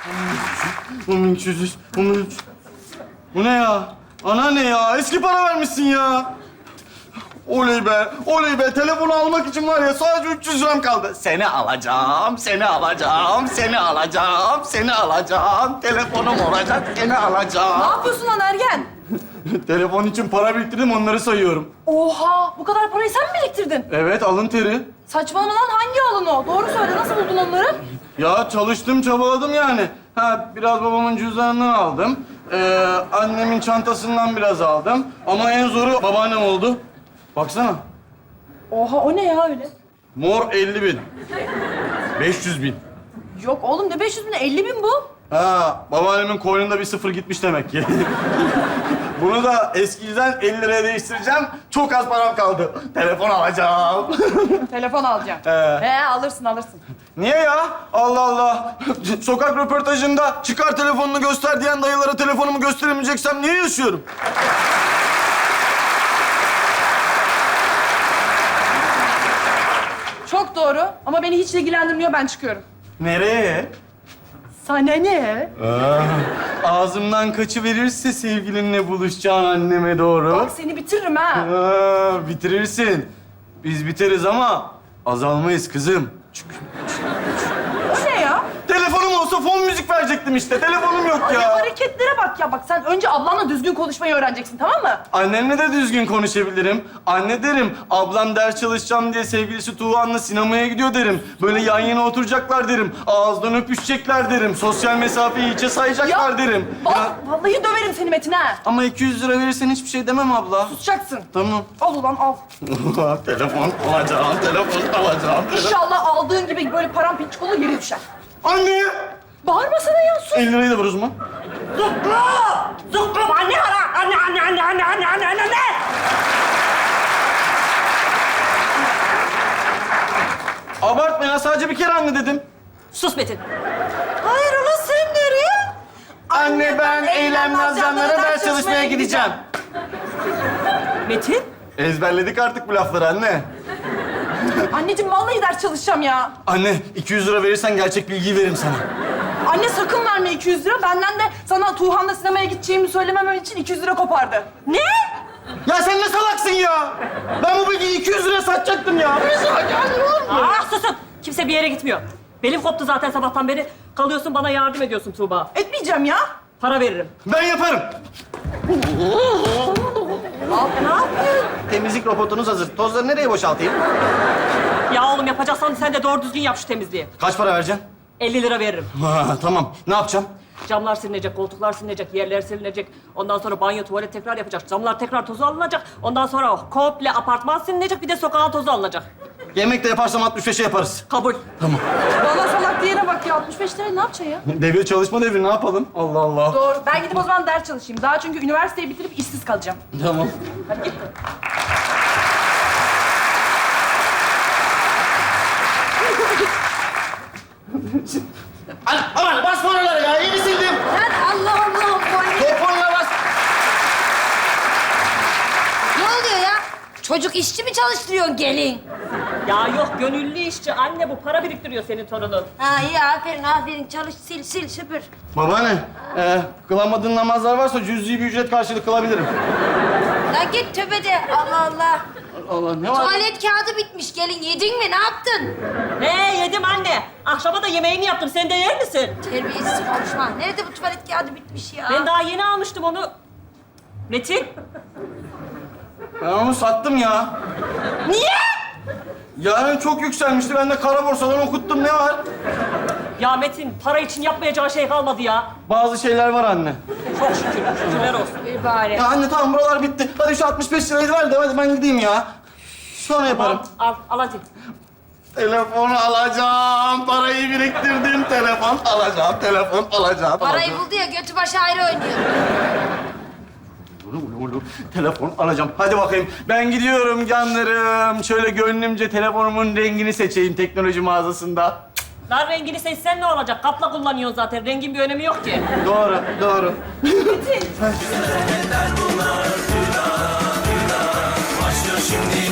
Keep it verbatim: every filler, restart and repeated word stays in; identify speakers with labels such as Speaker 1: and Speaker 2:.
Speaker 1: on bin iki yüz, on bin üç. Bu ne ya? Ana ne ya? Eski para vermişsin ya. Oley be, oley be. Telefonu almak için var ya sadece üç yüz liram kaldı. Seni alacağım, seni alacağım, seni alacağım, seni alacağım. Telefonum olacak, seni
Speaker 2: Ne
Speaker 1: alacağım.
Speaker 2: yapıyorsun lan ergen?
Speaker 1: Telefon için para biriktirdim, onları sayıyorum.
Speaker 2: Oha! Bu kadar parayı sen mi biriktirdin?
Speaker 1: Evet, alın teri.
Speaker 2: Saçmalama lan, hangi alın o? Doğru söyle, nasıl buldun onları?
Speaker 1: Ya çalıştım, çabaladım yani. Ha, biraz babamın cüzdanından aldım. Ee, annemin çantasından biraz aldım. Ama en zoru babaannem oldu. Baksana.
Speaker 2: Oha, o ne ya öyle?
Speaker 1: Mor elli bin. beş yüz bin.
Speaker 2: Yok oğlum, ne beş yüz bin, elli bin bu.
Speaker 1: Ha, babaannemin koynunda bir sıfır gitmiş demek ki. Bunu da eskiden elli liraya değiştireceğim. Çok az param kaldı. Telefon alacağım.
Speaker 2: Telefon alacağım.
Speaker 1: He.
Speaker 2: He, alırsın, alırsın.
Speaker 1: Niye ya? Allah Allah. Sokak röportajında çıkar telefonunu göster diyen dayılara telefonumu gösteremeyeceksem niye yaşıyorum?
Speaker 2: Çok doğru ama beni hiç ilgilendirmiyor, ben çıkıyorum.
Speaker 1: Nereye?
Speaker 2: Sana ne?
Speaker 1: Ağzımdan kaçıverirse sevgilinle buluşacağın anneme doğru.
Speaker 2: Bak seni bitiririm ha.
Speaker 1: Aa, bitirirsin. Biz biteriz ama azalmayız kızım. Çünkü
Speaker 2: O ne ya?
Speaker 1: telefonum olsa fon müzik verecektim işte. Telefonum yok
Speaker 2: Ay,
Speaker 1: ya.
Speaker 2: hareketlere bak ya. Bak sen önce ablanla düzgün konuşmayı öğreneceksin, tamam mı?
Speaker 1: Annemle de düzgün konuşabilirim. Anne derim, ablam ders çalışacağım diye sevgilisi Tuğhan'la sinemaya gidiyor derim. Böyle yan yana oturacaklar derim. Ağızdan öpüşecekler derim. Sosyal mesafeyi hiçe sayacaklar derim.
Speaker 2: Bak,
Speaker 1: Ya,
Speaker 2: vallahi döverim seni Metin ha.
Speaker 1: ama iki yüz lira verirsen hiçbir şey demem abla.
Speaker 2: Susacaksın.
Speaker 1: Tamam.
Speaker 2: Al ulan al.
Speaker 1: Telefon alacağım, telefon alacağım.
Speaker 2: İnşallah aldığın gibi böyle paramparçık olur, yere düşer.
Speaker 1: Anne!
Speaker 2: Bağırma sana ya, sus.
Speaker 1: elli lirayı da ver o zaman.
Speaker 2: Zıkkım! Zıkkım! Anne ara! Anne, anne, anne, anne, anne, anne, anne, anne!
Speaker 1: Abartma ya, sadece bir kere anne dedim.
Speaker 2: Sus Metin. Hayır ulan, sen nereye?
Speaker 1: Anne ben Eylem Nazcanlara ders çalışmaya gideceğim.
Speaker 2: Metin?
Speaker 1: Ezberledik artık bu lafları anne.
Speaker 2: Anneciğim vallahi ders çalışacağım ya.
Speaker 1: Anne iki yüz lira verirsen gerçek bilgiyi veririm sana.
Speaker 2: Anne sakın verme iki yüz lira. Benden de sana Tuğhan'la sinemaya gideceğimi söylememem için iki yüz lira kopardı. Ne?
Speaker 1: Ya sen ne salaksın ya? Ben bu bilgiyi iki yüz lira satacaktım ya. Bir salak ya, ne olur mu?
Speaker 3: Ah susun! Kimse bir yere gitmiyor. Belim koptu zaten sabahtan beri. Kalıyorsun bana yardım ediyorsun Tuğba.
Speaker 2: Etmeyeceğim ya.
Speaker 3: Para veririm.
Speaker 1: Ben yaparım.
Speaker 2: Abi ne yapıyorsun?
Speaker 1: Temizlik robotunuz hazır. Tozları nereye boşaltayım?
Speaker 3: Ya oğlum yapacaksan sen de doğru düzgün yap şu temizliği.
Speaker 1: Kaç para vereceksin?
Speaker 3: elli lira veririm.
Speaker 1: Ha, tamam. Ne yapacağım?
Speaker 3: Camlar silinecek, koltuklar silinecek, yerler silinecek. Ondan sonra banyo, tuvalet tekrar yapacak. Camlar tekrar tozu alınacak. Ondan sonra komple apartman silinecek. Bir de sokağın tozu alınacak.
Speaker 1: Yemek de yaparsam altmış beşe yaparız.
Speaker 3: Kabul.
Speaker 2: Bana salak diyene bak ya. altmış beş liraya ne yapacaksın ya?
Speaker 1: Devir çalışma devri, ne yapalım? Allah Allah.
Speaker 2: Doğru. Ben gidip o zaman ders çalışayım. Daha çünkü üniversiteyi bitirip işsiz kalacağım.
Speaker 1: Tamam.
Speaker 2: Hadi git.
Speaker 1: Al, aman basma oraları ya. İyi sildim.
Speaker 4: Lan Allah Allah boy.
Speaker 1: Telefonla bas.
Speaker 4: Ne oluyor ya? Çocuk işçi mi çalıştırıyorsun gelin?
Speaker 3: Ya yok gönüllü işçi. Anne bu para biriktiriyor senin torunun.
Speaker 4: Ha iyi aferin aferin çalış sil sil süpür.
Speaker 1: Babaanne, e, kılamadığın namazlar varsa cüz'i bir ücret karşılığı kılabilirim.
Speaker 4: Lan git tövbede Allah Allah.
Speaker 1: Allah ne var?
Speaker 4: Tuvalet kağıdı bitmiş gelin yedin mi ne yaptın?
Speaker 3: He yedim anne. Akşama da yemeğini yaptım. Sen de yer misin?
Speaker 4: Terbiyesiz konuşma. Nerede bu tuvalet kağıdı bitmiş ya?
Speaker 3: Ben daha yeni almıştım onu. Metin.
Speaker 1: Ben onu sattım ya.
Speaker 4: Niye?
Speaker 1: Yarın çok yükselmişti. Ben de kara borsadan okuttum. Ne var?
Speaker 3: Ya Metin para için yapmayacağı şey kalmadı ya.
Speaker 1: Bazı şeyler var anne.
Speaker 3: Çok şükür. Şükürler olsun.
Speaker 4: Bir bari.
Speaker 1: Ya anne tamam buralar bitti. Hadi şu altmış beş lirayı ver de hadi ben gideyim ya. Sonra yaparım.
Speaker 3: Al, al, al hadi.
Speaker 1: Telefonu alacağım. Parayı biriktirdim. Telefon alacağım. Telefon alacağım.
Speaker 4: Parayı
Speaker 1: alacağım.
Speaker 4: buldu ya götü başı ayrı oynuyor.
Speaker 1: Ulu, ulu, ulu. Telefon alacağım. Hadi bakayım. Ben gidiyorum canlarım. Şöyle gönlümce telefonumun rengini seçeyim teknoloji mağazasında.
Speaker 3: Lan rengini seçsen ne olacak? Kapla kullanıyorsun zaten. Rengin bir önemi yok ki.
Speaker 1: Doğru, doğru.
Speaker 2: Metin.
Speaker 5: Başlıyor şimdi